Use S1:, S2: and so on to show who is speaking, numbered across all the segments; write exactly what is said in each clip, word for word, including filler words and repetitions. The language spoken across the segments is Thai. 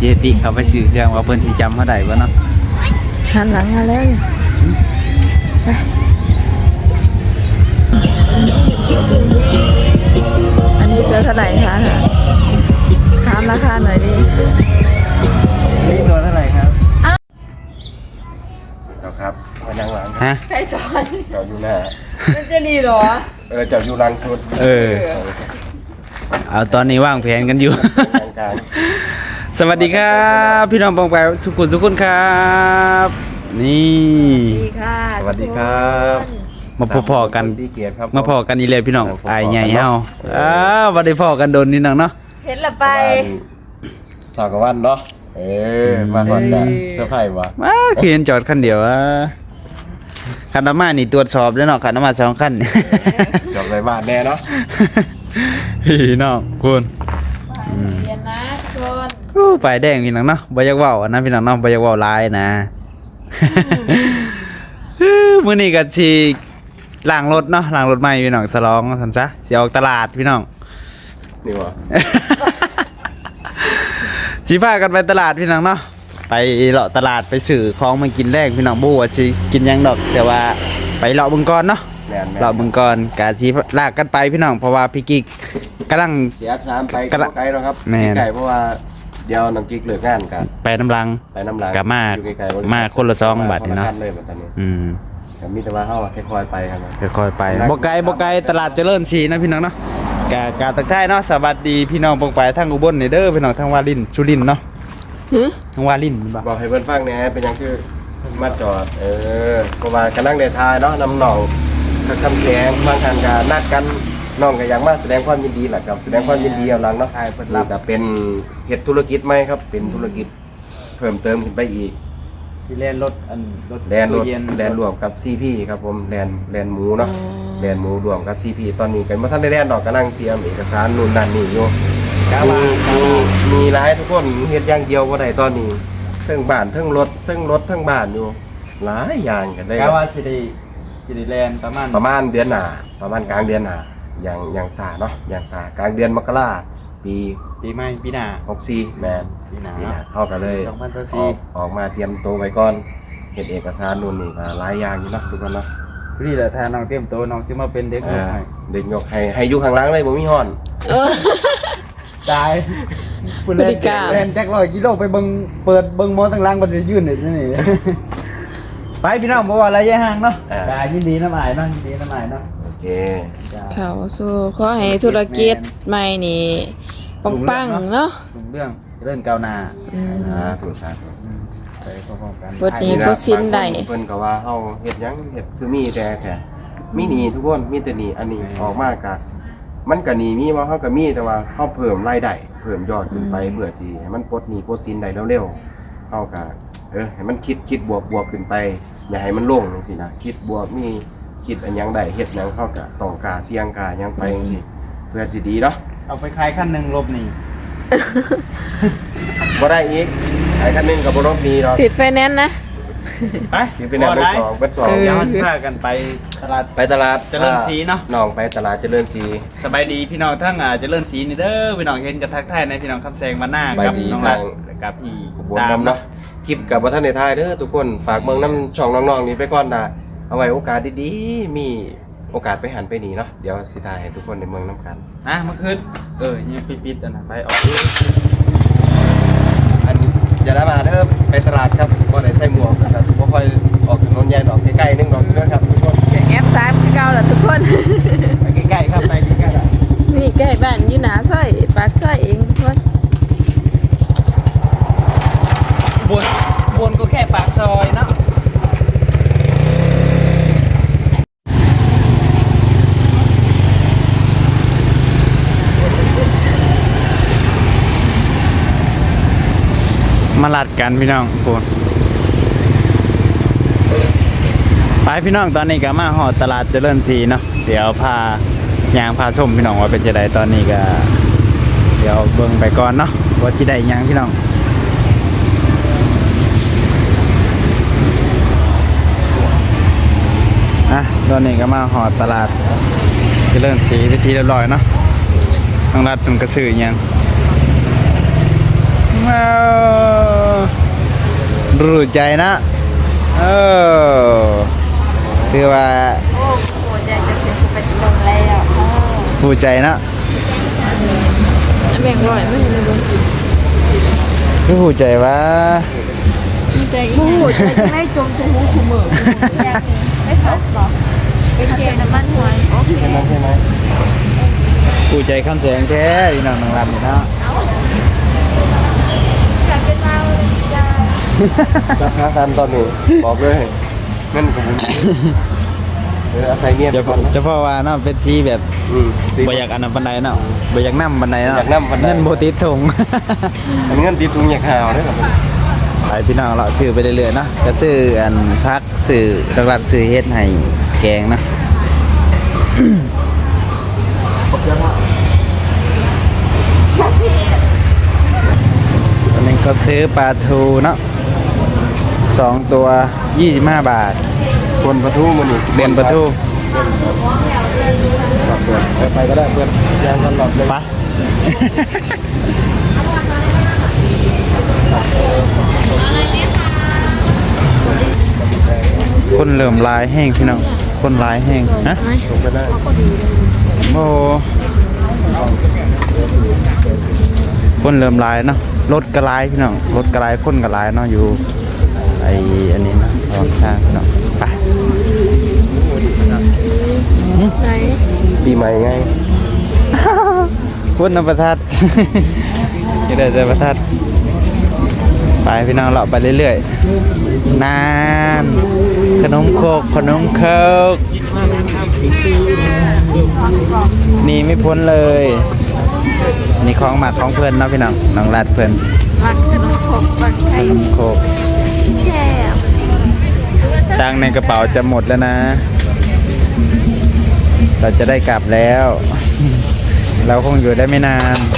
S1: จติเขาไปซื้อเครื่องว่าเพิ่นสิจำเฮาได้บ่เนาะ
S2: หันหลังมาแล้วไปอันนี้ตัวเท่าไหร่คะถามราคาหน่อยดิ
S1: นี่ตัวเท่าไหร่ครับ
S3: เจ้าครับมานั่งหลัง
S1: ฮะ
S2: ใครสอน
S3: เจ้าอยู่หน้า
S2: มันจะดีหรอ
S3: เออเจ้าอยู่หลังชุด
S1: เออเอาตอนนี้วางแผนกันอยู่
S3: กลาง
S1: สวัสดีครับพี่น้องปองไปสุขุมสุขุนครับนี่
S2: สวัสดีค่ะ
S3: สวัสดีครับ
S1: มาพอๆกัน
S3: สีเกียรติครับ
S1: มาพอกันอีเลยพี่น้องไอ้ใหญ่เฮาอ้าวบ่ได้พอกันโดนนี่น้องเนาะ
S2: เห็นละไป
S3: สาวกวันเนาะเออมาก่อนจ้ะเซอร์ไพรส์วะ
S1: ว้าคือเห็นจอดคันเดียวอ่ะคันน้ำมานี่ตรวจสอบแล้วเนาะคันน้ำมาสองคัน
S3: จบเลยบ้านแน่เนาะ
S1: พี่น้องคุณ
S2: เรียนนะชน
S1: โอ้ไปแดงพี่น้องเนาะบ่อยากเว้านะพี่น้องเนาะบ่อยากเว้าหลายนะมื้อนี้ก็สิล้างรถเนาะล้างรถใหม่พี่น้องสลองซั่นซะสิออกตลาดพี่น้อง
S3: นี่วะ
S1: สิพากันไปตลาดพี่น้องเนาะไปเลาะตลาดไปซื้อของมากินแรกพี่น้องบ่ว่าสิกินหยังดอกแต่ว่าไปเลาะเบิ่งก่อนเนาะเลาะเบิ่งก่อนกะสิลากกันไปพี่น้องเพราะว่าพี่กิ๊กกำลัง
S3: เสียสามไปไกลแล้วครับไกลเพราะว่าเดี๋ยวน้องกิ๊กเลิกงานกัน
S1: ไปน้ำลัง
S3: ไปน้ำลัง
S1: กะมามาคนละซองบาทนี่เนาะอืม
S3: ก็มีแต่ว่าเฮาค่อยๆไปครับ
S1: ค่อยๆไปบ่ไกลบ่ไกลตลาดเจริญศรีนะพี่น้องเนาะกะกะตักท้ายเนาะสวัสดีพี่น้องปงไปทางอุบลนี่เด้อพี่น้องทางวารินสุรินทร์เนาะทางวารินบ่
S3: บอกให้เพิ่นฟังแหน่เป็นหยังคือมาจอดเออก็ว่ากำลังได้ทายเนาะนำน้องคำแสงบางท่านก็นัดกันน้องก็อยากมาแสดงความยินดีแหละครับแสดงความยินดีเอาหลังเนาะทายเพิ่นรับก็เป็นเฮ็ดธุรกิจใหม่ครับเป็นธุรกิจเพิ่มเติมขึ้นไปอีก
S1: สิแลนรถอัน
S3: รถแลนรถแลนรวมกับ ซี พี ครับผมแลนแลนหมูเนาะแลนหมูรวมกับ ซี พี ตอนนี้ก็บ่ทันได้แลนดอกกำลังเตรียมเอกสารนู่นนั่นนี่อยู่มีมีมีหลายทุกคนเฮ็ดอย่างเดียวบ่ได้ตอนนี้เทั้งบ้านเทั้งรถเทั้งรถเทั้งบ้านอยู่หลายอย่างกันได้
S1: กะว่าสิได้สิได้แลนประมาณ
S3: ประมาณเดือนหน้าประมาณกลางเดือนหน้าอย่างอย่างซ่าเนาะอย่างซ่ากลางเดือนมกราปี
S1: ปีใหม่ปีหน้า
S3: หกสิบสี่แม่น
S1: ปีหน้า
S3: เฮาก็เลย
S1: สองพันยี่สิบสี่
S3: ออกมาเตรียมตัวไว้ก่อนเฮ็ดเอกสารนู่นนี่ก็หลายอย่างอยู่เนาะทุกคนเนาะ
S1: นี่แหละถ้าน้องเตรียมตัวน้องสิมาเป็นเด็กยกให้
S3: เด็กยกให้ให้อยู่ข้างหลังเลยบ่มีฮ้อน
S1: ตายคุณเล่นเล่นจักร้อยกิโลไปเบิ่งเปิดเบิ่งหมอทางหลังบ่สิยืนนี่นี่ไปพี่น้องบ่ว่าระยะห่างเนาะก็ยินดีนำอ้ายเนาะยินดีนำอ้ายเนาะ
S3: โอเค
S2: เข้าสู่ขอให้ธุรกิจใหม่นี่ปังๆเนาะ
S1: รุ่งเรื่องเรื่องก้าวหน้า
S3: สาธุสาธุ
S1: ไปพร้อมๆกัน
S2: บ่นี้บ่สิ้นได้
S3: เพิ่นก็ว่าเฮาเฮ็ดหยังเฮ็ดคือมีแต่แค่มีหนี้ทุกคนมีแต่หนี้อันนี้ออกมาก็มันก็หนี้มีว่าเฮาก็มีแต่ว่าเฮาเพิ่มรายได้เพิ่มยอดขึ้นไปเพื่อที่ให้มันปลดหนี้ปลดสินได้เร็วๆเฮาก็เออให้มันคิดคิดบวกบวกขึ้นไปอย่าให้มันลงจังซี่นะคิดบวกมีคิดอันหยังได้เฮ็ดหยังเฮาก็ต้องกล้าเสี่ยงกล้าหยังไปจังซี่เพื่อสิดีเนาะ
S1: เอาไปขายคันนึงลบหนี้
S3: บ่ได้อีกขายคันนึงก็บ่ลบหนี้ดอก
S2: ติดไฟแนนซ์นะ
S1: ไป
S3: สิเป็นอันเบิ่งสองเบิ่งสอง
S1: เดี๋ยวสิพากันไปตลาด
S3: ไปตลาด
S1: เจริญศรีเนาะ
S3: น้องไปตลาดเจริญศรี
S1: สบายดีพี่น้องทั้งอ่าเจริญศรีนี่เด้อพี่น้องเห็นกันทักทายในพี่น้องคำแซงมาหน้ากับน้องรักกับพี่
S3: ตามเนาะคลิปกับบ่ทันได้ถ่ายเด้อทุกคนฝากเบิ่งนำช่องน้องๆนี่ไปก่อนนะเอาไว้โอกาสดีๆมีโอกาสไปหันไปนี่เนาะเดี๋ยวสิถ่ายให้ทุกคนในเมืองนำกัน
S1: นะเมื่อคืนเออยังปิดๆอันน่ะไปออก
S3: อันอย่าได้มาเด้อไปตลาดครับบ่ได้ใส่หมวกแต่สุบ่ค่อยออกถนนใหญ่ดอกใกล้ๆนึงดอกเด้อครับทุกคน
S2: แอปสามคือเก่าล่ะทุกคน
S1: ไปใกล้ๆครับไปใกล้ๆ
S2: นี่ใกล้บ้านอยู่หน้าซอยปากซอยเองทุกคน
S1: บนบนก็แค่ปากซอยเนาะมาลัดกันพี่น้องโคนไปพี่น้องตอนนี้ก็มาหอตลาดเจริญศรีเนาะเดี๋ยวพายางพาส้มพี่น้องว่าเป็นจะได้ตอนนี้ก็เดี๋ยวเบิ่งไปก่อนเนาะว่าสิได้ยังพี่น้องอ่ะตอนนี้ก็มาหอตลาดเจริญศรีวิธีเรียบร้อยเนาะทางรัฐมันกระสือยังว้าวรู้ใจนะเออคือว่า
S2: โอ้โหใจจะเป็นไปลงแล้ว
S1: ผู้ใจนะ
S2: แบ่งร้อยไม่ได้ลงกิน
S1: คือผู้ใจว่า
S2: ใจโอ้โหใจจะไม่จมใจหูขุ่มเหมือนไม่พัดหรอเป็นเกณฑ์น้ำมันหวยโอเค
S3: ใช่ไหมใช่ไหม
S1: ผู้ใจคำแสงแท้พี่น้องนางรำนี่เนาะ
S2: อยากเป็นเราเลยจ้า
S3: ราคาซันตอนนี้บอกเลยเงินกับผมเอออาศัยเมีย
S1: จะ
S3: ไปก่อนนะ
S1: จะเพราะว่าเนาะเป็นสีแบบ
S3: อืมสิ
S1: บ่อยากอันนั้นปานใดเนาะบ่อยากนำปานใดเนาะ
S3: อยากนำปานใด
S1: เงินบ่ติดถุง
S3: อันเงินตีตุงอยากหาวเนี่ยครับ
S1: ไปพี่น้องเราซื้อไปเรื่อยๆเนาะก็ซื้ออันพักซื้อหลักๆซื้อเฮ็ดให้แกงนะ ตอนนี้ก็ซื้อปลาทูเนาะสองตัวยี่สิบห้าบาท
S3: คนประทูมันอีก
S1: เดือนปลาทู
S3: ไปไปก็ได้เพื่อนยางกันหลอดเลย
S1: ไปะ คนเริ่มลายแห้งพี่น้องคนลายแห้งฮะ
S3: ส่งไปได้
S1: โอ้คนเริ่มลายเนาะรถกระลายพี่น้องรถกระลายคนกระลายเนาะอยู่ไออันนี้นะตอนข้างพี่น้องไป
S2: ไหน
S3: ปีใหม่ไง
S1: พุ่นน้ำประทัด จะได้ใจประทัดไปพี่น้องเราไปเรื่อยๆนานขนมโคกขนมเคิกนี่ไม่พ้นเลยนี่ของหมักของเพื่อนเนาะพี่น้องน้องรัดเพื่อน
S2: มันขนมขบมัน
S1: ข
S2: ไข่
S1: นมโคก
S2: แช่
S1: ตังค์ในกระเป๋าจะหมดแล้วนะ เราจะได้กลับแล้ว เราคงอยู่ได้ไม่นาน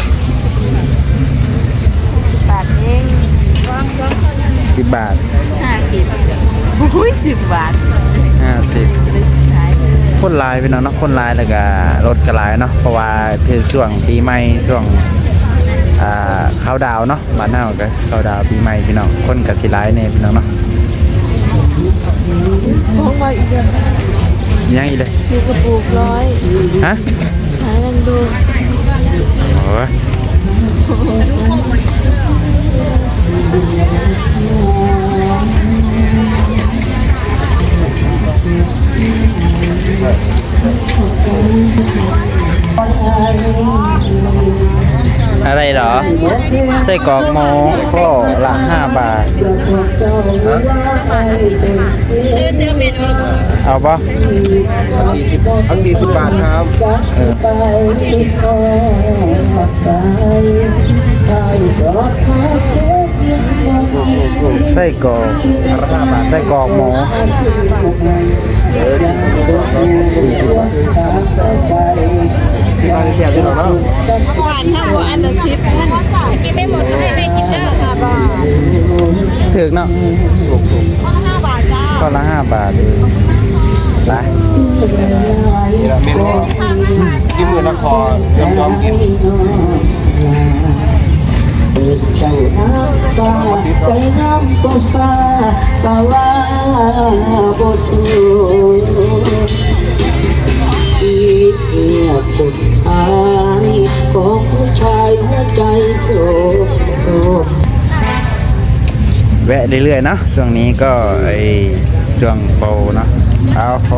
S2: บาทเอง
S1: สิบบาท
S2: ห้าสิบอุ้ยสิบบาท
S1: ห้าสิบ
S2: เลยสุดท้ายเลย
S1: คนลายพี่น้องเนาะคนลายแล้วก็รถกระลายเนาะเพราะว่าเป็นช่วงปีใหม่ช่วงอ่าเข้าดาวน์เนาะบ้านเฮาก็เข้าดาวน์ปีใหม่พี่น้องคนก็สิหลายแน่พี่น้องเนาะ
S2: มองมาอีกเดือน
S1: ยังอีกเลย
S2: ซื้อกระปุกร้อย
S1: ฮะ
S2: หากันดู
S1: โอ้ยอะไรเหรอไส้กรอกหมูก็ละห้าบาท เอาปะ
S3: สี่สิบเอาสี่สิบบาทครับ
S1: เออไส้กรอก
S3: ราคาบาท
S1: ไส้กรอกหมูสี่สิบบาท
S3: ที่บ้านเสียบที่เราเนาะ
S2: หวานห้าหัวอันละสิบท่านกินไม่หมดให้แม่กินเด้อห้าบาท
S1: ถึกเนาะ
S3: ถูกถูก
S2: ห้าบาทจ้า
S1: ก็ละห้าบาทเองไป
S3: นี่แหละเมนูกินมือละคอยอมยอมกิน
S4: ใจน้ำตาใจน้ำก็ฟ้าตาว่าบ่สู้อีกเงียบสุดท้ายของผู้ชายหัวใจโศกโศก
S1: แวะเรื่อยๆเนาะช่วงนี้ก็ไอช่วงโปรเนาะเอาเขา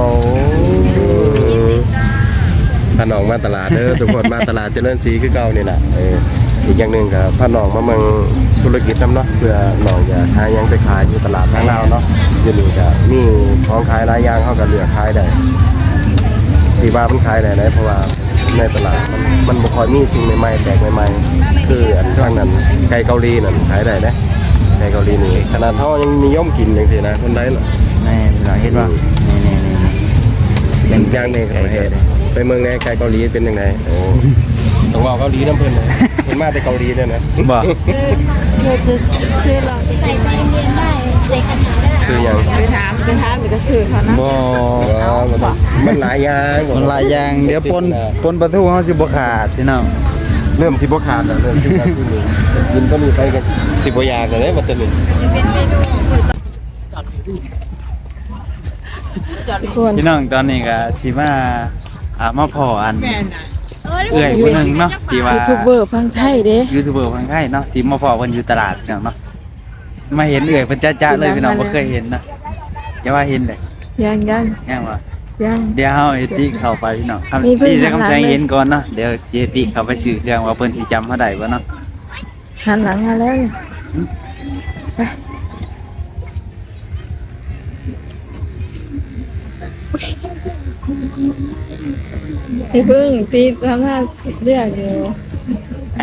S3: พาน้องมาตลาดเด้อทุกคนมาตลาดเจริญศรีคือเก่านี่แหละเอออีกอย่างหนึ่งกับพาน้องมาเมืองธุรกิจน้ำเนาะเพื่อน้องจะหายังไปขายอยู่ตลาดทางเราวเนาะอยู่นี่ก็มีของขายหลายอย่างเขาก็เลือกขายได้ที่ว่ามันขายได้นะเพราะว่าในตลาดมันมันบ่ค่อยมีสิ่งใหม่ๆแปลกใหม่ๆคืออันข้างนั้นไก่เกาหลีนั่นขายได้นะไก่เกาหลีนี่ขนาดเขายังนิยมกินอย่างที่นะคนไทยน่ะ
S1: นี่พี่น้องเห็นว่านี่นี่นี่
S3: เป็นย่างเด็กประเทศไปเมืองไหนไกลเกาหลีเป็นยังไงโอ้ต้องว่าเกาหลีน้ำเพิ่นเลยเพิ่นมาแต่เกาหลีเนี่ยนะ
S1: บอก
S2: เธอจะซื้อเราใส่ไปเรียนได้ใส่ขนาดได้
S3: คือหยัง
S2: ไปถามไปถามเดี๋ยวก็ซื้อเขานะ
S1: บอ
S3: อ๋อมันมันหลายอย่าง
S1: มันหลายอย่างเดี๋ยวปนปนประตูเขาสิบ่ขาดพี่น้อง
S3: เริ่มสิบ่ขาดแล้วเริ่มสิการที่นี่กินตัวนี้ไปกันสิบ่อยากเลยมันจะนี่
S2: ทุกคน
S1: พี่น้องตอนนี้ก็สิมาอ่ามาพออันเอื้อยผู้หนึงเนาะที่ว่า
S2: ยูทูบเบอร์ฟังไทยเด้
S1: ยูทูบเบอร์ฟังไทยเนาะที่มาพอเพิ่นอยู่ตลาดเนาะเนาะมาเห็นเอื้อยเพิ่นจ้าๆเลยพี่น้องบ่เคยเห็นนะอย่าว่าเห็นเลย
S2: ยังยัง
S1: แง่ว่า
S2: ยัง
S1: เดี๋ยวเฮาเอติเข้าไปพี่น้อง
S2: มีเพิ่น
S1: ที่จะ
S2: ข้างหลัง
S1: คำแสง
S2: เลย
S1: เห็นก่อนเนาะเดี๋ยวสิเอติเข้าไปสื่อเรื่องว่าเพิ่นสิจำเฮาได้บ่เนาะ
S2: หันหลังมาแล้วไปไอ้พึ่งตีทำท่าเรียกอยู่
S1: อะ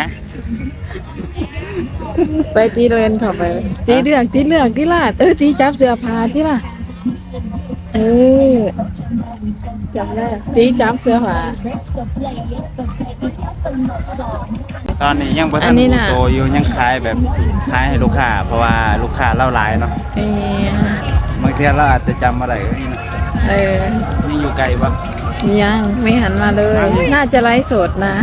S2: ไปตีเรียนเข้าไป ตีเลือกตีเลือกตีลาดเออตีจับเสื้อผ้าที่ล่ะเออจับได้ตีจับเสื้อผ้า
S1: ตอนนี้ยังบ่
S2: อั
S1: ทัน
S2: นนี้น่ะ
S1: โตอยู่ยังขายแบบขายให้ลูกค้าเพราะว่าลูกค้าเล่าหลายเนาะ
S2: เออบ
S1: างเทีเราอาจจะจำอะไรก็นี่นะ
S2: เออ
S1: นี่อยู่ไกลปะ
S2: ยังไม่หันมาเลย น่าจะไลฟ์สดนะ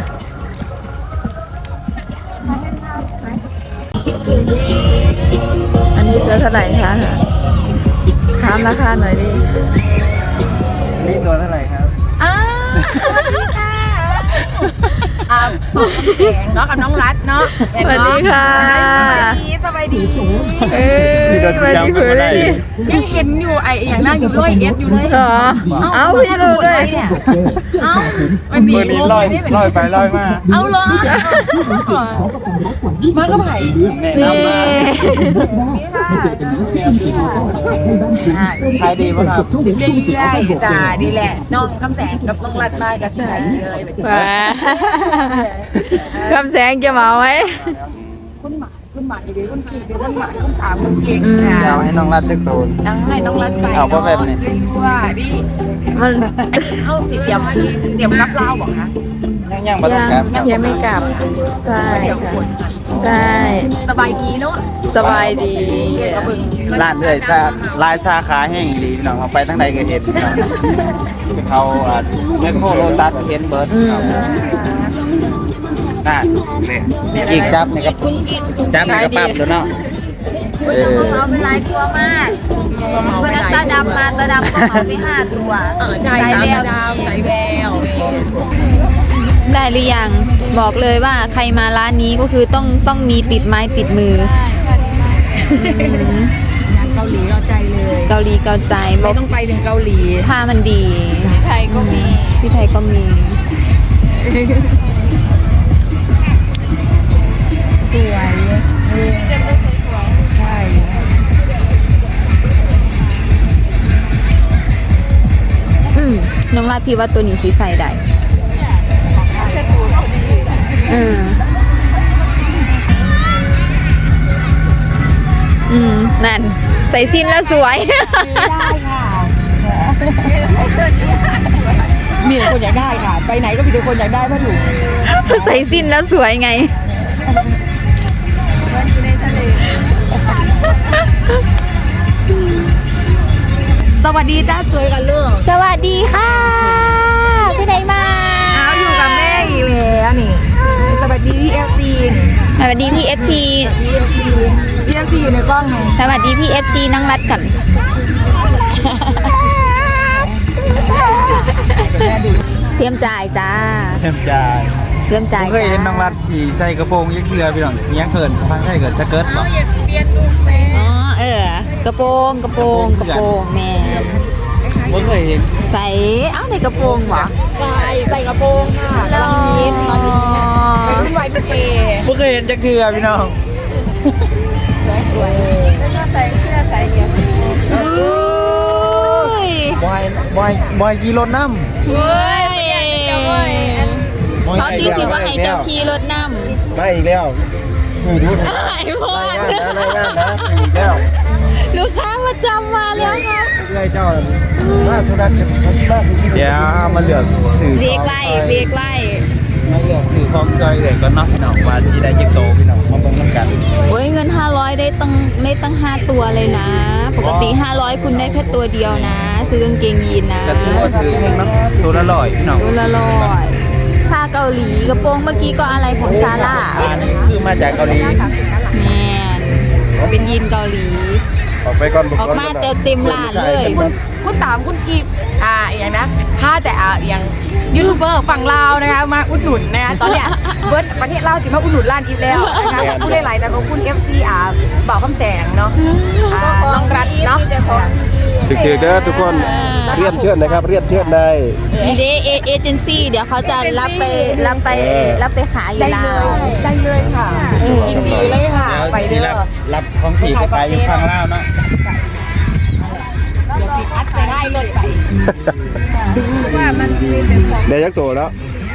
S2: อันนี้ตัวเท่าไหร่คะถามราคาหน่อยดิ
S1: นี่ตัวเท่าไหร่ครับ
S5: อ้าวสวัสดีค่ะอ่าปอกแขงเนาะกับน้องรัดเนาะ
S2: สวัสดีค่ะ
S5: สวัสดีสบายดี
S2: เออ
S1: ที่เราจะจำกันได้
S5: ยังเห็นอยู่ไอ้อย่างนั่งอยู่ร้อยเอ็ดอยู่เลย
S2: เหรอ เอาพี่รู้ด้วย
S5: เนี่ยเอ้ามันมี
S1: เมื่อนี้ลอย
S5: ไม่ได้
S1: ลอยไปลอยมา
S5: เอาเหรอมาก็ไผ่
S1: แนะ
S2: นี่
S1: นำมาขายดีปะครับ
S5: ดีเลยจ้าดีแหละน้องคำแสงกับน้องรัดมากับที่ไหนดีเลยแบบนี้
S2: ว้าคำแสงจะมาไหม
S5: คุณหมาคุณหมาดีคุณขี่ดีคุณหมาคุณถามคุณเก่งค่ะ
S1: เดี๋ยวให้น้องรัดตึกโตน
S5: น้องให้น้องรัดใส่
S1: เอาเพราะแบบนี้
S5: ว่าดิ
S2: มัน
S5: เอาติดเตรียมเตรียมกับเราบอกนะ
S1: ยังยังบ่ต้อง
S2: ยั
S1: กลับ
S2: งยังไม่กลับ ใช่
S5: เดี๋ยว
S2: ค่ะ
S5: คน
S2: ใช่
S5: สบายดีเนาะ
S2: สบายดี
S5: กระเบื้อง
S1: ร้านเอื้อยซาลายสาขาแห้งอีหลีพี่น้องเอาไปทั้งใดก็เห็นพี่น้องเขาอ่าแมคโครโลตัสเห็นเบิร์ด
S2: อืม
S1: น่ะนี่กีกจับนี่ครับจับนี่ก็ปั๊บแล้วเนาะเออ
S5: เอาไปหลายตัวมากวันนั้นตาดำมาตาดำก็เอาไปห้าตัวเออใช่สายแววสายแวว
S6: ได้หรือยังบอกเลยว่าใครมาร้านนี้ก็คือต้องต้องมีติดไม้ติดมืออืม
S5: เกาหลีเราใจเลย
S6: เกาหลีเกาใจบ
S5: ไม่
S6: อก
S5: ต้องไปถึงเกาหลี
S6: ผ้ามันดี
S5: ไทยก็มี
S6: ที่ไทยก็มี
S5: สวยใช่
S6: อืมน้องลาดพี่ว่าตัวนี้สีใส่ได้อืมอืมนั่นใส่สิ้นแล้วสวย
S5: ได้ค่ะมีแต่คนอยากได้ค่ะ ไปไหนก็มีแต่คนอยากได้ผ้าถุง
S6: ใส่สิ้นแล้วสวยไง
S5: สวัสดีจ้าสวยกันเรื่อง
S6: สวัสดีค่ะพี่ไหนมา
S5: เอาอยู่กับแม่อีกแล้วนี่สวัสดีพี่เอฟซีนี่
S6: สวัสดีพี่เอฟที
S5: พี่เอฟซีพี่เอฟซีอยู่ในกล้องไง
S6: สวัสดีพี่เอฟทีน้องรัดก่อน เตรียมจ่ายจ้า
S1: เต็มใจ
S6: เตรียม
S1: ผ
S6: จ่าย
S1: มเคยเห็นน้องรัดสีใส่กระโปรงยักษ์เคือพี่น้องยังเกินฟังได้เกิดสเกิร์ตบ่
S6: อ๋อเออกระโปรงกระโปรงกระโปรงแมน
S1: ผมเคยเห็น
S6: ใส่เอ้าในกระโปรงเหรอ
S5: ใส่ใส่กระโปรงค่ะกำลังฮิตตอนนี้ไปรุ่นวัยพีเค
S1: ผมเคยเห็นจักเทือพี่น้อง
S6: อุ้ย
S1: บอยบอยบอยขี่รถน้ำ
S6: เฮ้ย
S1: บอย
S6: เขาตีสิว่าให้เจ้าขี่รถน
S3: มาอีกแล้วคือรู้นะ
S6: ำไอ้พอ
S3: รายงานนะรายงานนะคืออีกแล้ว
S6: ลูกค้ามาจำมาแล้วครับ
S3: เรื่อยเจ้าล่าสุดนั้นจะมาที่บ้านที่
S1: เดี๋ยวมาเลือกสื่อ
S6: เบรกไว้เบรกไว้
S1: มาเลือกสื่อของซอยเลยก็เนาะพี่น้องว่าสีได้จักโตพี่น้องมาเบิ่งนำกัน
S6: โอ้ยเงินห้าร้อยได้ตั้งได้ตั้งห้าตัวเลยนะ ปกติห้าร้อยคุณได้แค่ตัวเดียวนะ ซื้อกางเกงยีนนะ
S1: ก็ถือว่าถือเพียงเนาะตัวละร้อยพี่น้อง
S6: ตัวละร้อยผ้าเกาหลีกระโปรงเมื่อกี้ก็อะไรของซาร่า
S1: อันนี้คือมาจากเกาหลี
S6: แมนเป็นยีนเกาหลี
S3: ออกไปก่อน
S6: ออกมาเต็มเต็มร้านเลย
S7: คุณคุณตามคุณกีบอ่าอย่างนะถ้าแต่อ่าอย่างยูทูบเบอร์ฝั่งลาวนะคะมาอุดหนุนนะคะตอนเนี้ยเบิร์ดประเทศลาวสิมาอุดหนุนร้านอีฟแล้วนะคะขอบคุณหลายๆแต่ขอบคุณ เอฟ ซี อ่าบ่าวคำแสงเนาะอ่าน้องรัฐเนาะ
S3: ถึกๆเด้อทุกคนเรียนเชิญนะครับเรียนเชิญได้
S6: มีเดเอเอเจนซี่เดี๋ยวเขาจะรับไปรับไปรับไปขายอยู่ลาว
S7: ได้เลยค่ะยินดีเลยค่ะ
S1: เดี๋ยว
S7: ไป
S1: สิ
S7: เด้
S1: รับ
S7: อ
S1: รับของผีไปขายอยู่ฝั่งลาวเนาะ
S7: เดี๋ยวสิอัดจะได้รถไป
S3: ได้ยักษ์โตแล้ว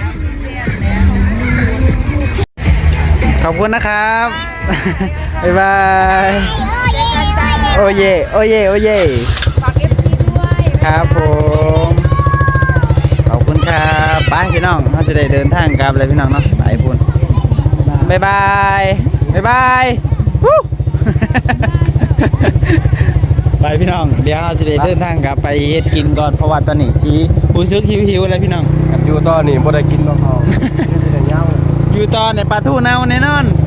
S1: ขอบคุณนะครับ บ๊ายบาย โอเย โอเย โอเย
S7: ฝาก เอฟ ซี ด้วย
S1: ครับผม ขอบคุณครับไปพี่น้องเราจะได้เดินทางกลับเลยพี่น้องเนาะไปพุ่นบ๊ายบายบ๊ายบายวู้ ไปพี่น้องเดี๋ยวเราจะได้เดินทางกลับไปเฮ็ดกินก่อนเพราะว่าตอนนี้ชี้รู้สึกหิวๆเลยพี่น้อง
S3: อยู่ต่อนี่บ่ได้กินน้องเขาสิได้ยาว
S1: อยู่ตอนในปลาทูเน่าแน่นอน